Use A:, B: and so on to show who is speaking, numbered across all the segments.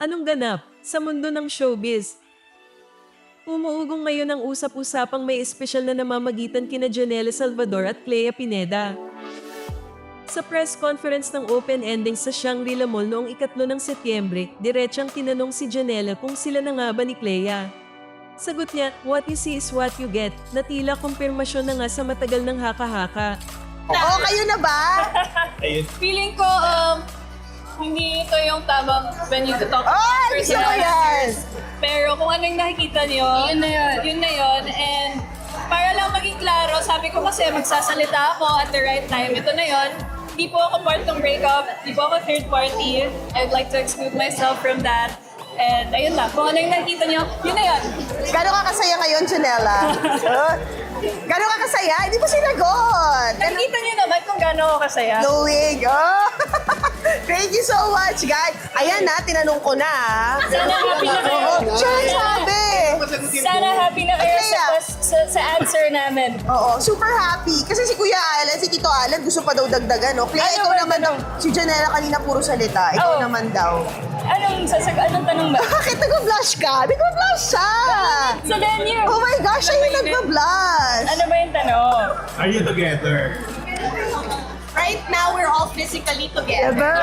A: Anong ganap sa mundo ng showbiz? Umuugong ngayon ang usap-usapang may espesyal na namamagitan kina Janelle Salvador at Clea Pineda. Sa press conference ng open ending sa Shangri-La Mall noong 3 ng Setyembre, diretsang tinanong si Janelle kung sila na nga ba ni Clea. Sagot niya, what you see is what you get, na tila kumpirmasyon na nga sa matagal ng haka-haka.
B: Oo, kayo na ba?
C: Feeling ko, hindi ito yung tamang venue to talk
B: Oh, gusto ko yan!
C: Pero kung ano yung nakikita niyo, yun na yun. And para lang maging klaro, sabi ko kasi magsasalita ako at the right time. Ito na yun. Di po ako part ng breakup. Di po ako third party. I'd like to exclude myself from that. And ayun lang, kung ano yung nakikita niyo, yun na yun.
B: Gano'n ka kasaya ngayon, Janela? Gano'n ka kasaya? Hindi mo sinagot!
C: Nakikita niyo naman kung gaano ako kasaya.
B: Knowing. Oh. Thank you so much, guys. Ayan na, tinanong ko na.
C: Sana happy na kayo.
B: Siya sabi.
C: Sana happy na kayo sa answer namin.
B: Oo, super happy. Kasi si Kuya Alan, si Tito Alan, gusto pa daw dagdagan, no? Kaya ikaw naman daw, si Janela kanina puro salita. Ikaw
C: Oo.
B: naman daw.
C: Anong tanong ba?
B: Bakit nag-blush ka? Nag-blush siya!
C: So then you.
B: Oh my gosh, siya yung nag-blush!
C: Ano ba yung tanong?
D: Are you together?
E: Right now, we're all physically together.
B: Ever?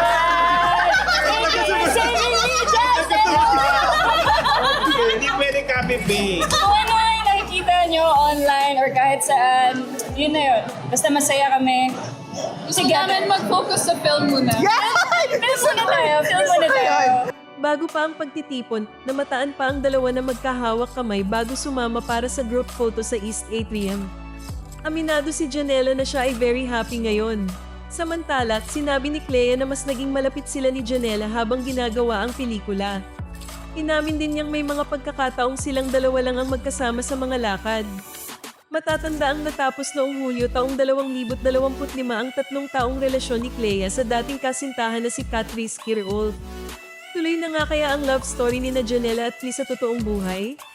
D: Hindi pwede copy-paste.
C: Kung ano yung nakikita nyo online or kahit saan, yun na yun. Basta masaya kami. Gusto namin mag-focus sa film muna.
B: Yeah!
C: Film muna tayo.
A: Bago pa ang pagtitipon, namataan pa ang dalawa na magkahawak kamay bago sumama para sa group photo sa East Atrium. Aminado si Janelle na siya ay very happy ngayon. Samantala, sinabi ni Clea na mas naging malapit sila ni Janelle habang ginagawa ang pelikula. Inamin din niyang may mga pagkakataong silang dalawa lang ang magkasama sa mga lakad. Matatanda ang natapos noong Hulyo taong 2025 ang 3 taong relasyon ni Clea sa dating kasintahan na si Catrice Kirolf. Tuloy na nga kaya ang love story ni na Janelle at Clea sa totoong buhay?